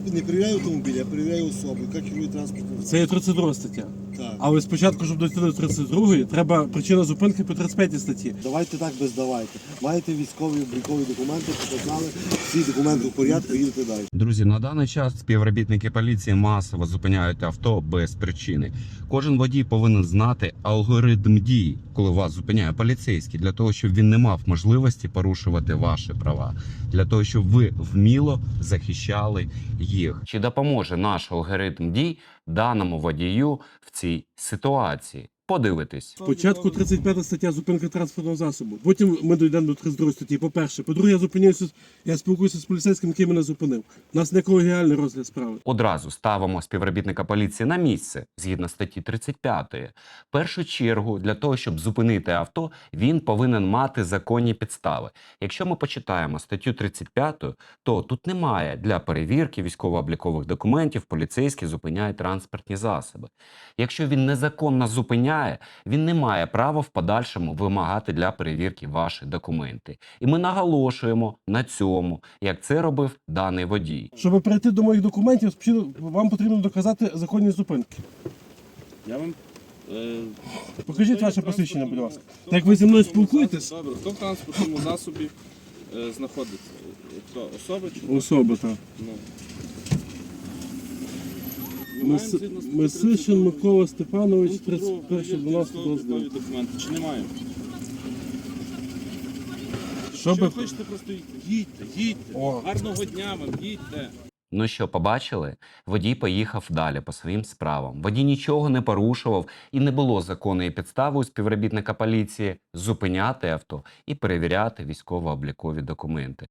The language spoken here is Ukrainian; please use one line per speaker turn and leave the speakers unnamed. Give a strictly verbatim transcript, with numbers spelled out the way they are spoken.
Не перевіряю автомобіль, я перевіряю особу, яка керує транспортним.
Це є тридцять друга стаття.
Так.
Але спочатку, щоб дойти до тридцять другої, треба причина зупинки по тридцять п'ятій статті.
Давайте так без давайте. Маєте військові облікові документи, показали, всі документи в порядку, їдете далі.
Друзі, на даний час співробітники поліції масово зупиняють авто без причини. Кожен водій повинен знати алгоритм дій, коли вас зупиняє поліцейський, для того, щоб він не мав можливості порушувати ваші права, для того, щоб ви вміло захищали їх. Чи допоможе наш алгоритм дій даному водію в цій ситуації? Подивитись.
Спочатку тридцять п'ята стаття зупинка транспортного засобу. Потім ми дійдемо до тридцять другої статті. По-перше. По-друге, я зупиняюся, я спілкуюся з поліцейським, який мене зупинив. У нас не колегіальний розгляд справи.
Одразу ставимо співробітника поліції на місце, згідно статті тридцять п'ятої. В першу чергу, для того, щоб зупинити авто, він повинен мати законні підстави. Якщо ми почитаємо статтю тридцять п'яту, то тут немає для перевірки військово-облікових документів, поліцейські зупиняють транспортні засоби. Якщо він незаконно зупиняє, він не має права в подальшому вимагати для перевірки ваші документи. І ми наголошуємо на цьому, як це робив даний водій.
Щоб перейти до моїх документів, спочатку вам потрібно доказати законні зупинки.
Я вам... Е...
Покажіть
хто
ваше
є
посвідчення, будь ласка.
транспортному-
Так як ви зі мною
транспортному
спілкуєтесь?
засобі? Добре, хто в транспортному засобі е, знаходиться? Хто? Особа чи хто?
Особа, так.
Ну. Ми маємо
Мис...
згідно статті
Месишин
тридцять другої
Микола Степанович,
пункту другого
тридцять перше дванадцяте
перевірки
двадцять
військово-облікові документи. Чи не маємо?
Щоб...
Що ви хочете, просто їдьте. Їдьте, їдьте.
О.
Гарного дня вам, їдьте.
Ну що, побачили? Водій поїхав далі по своїм справам. Водій нічого не порушував і не було законної підстави у співробітника поліції зупиняти авто і перевіряти військово-облікові документи.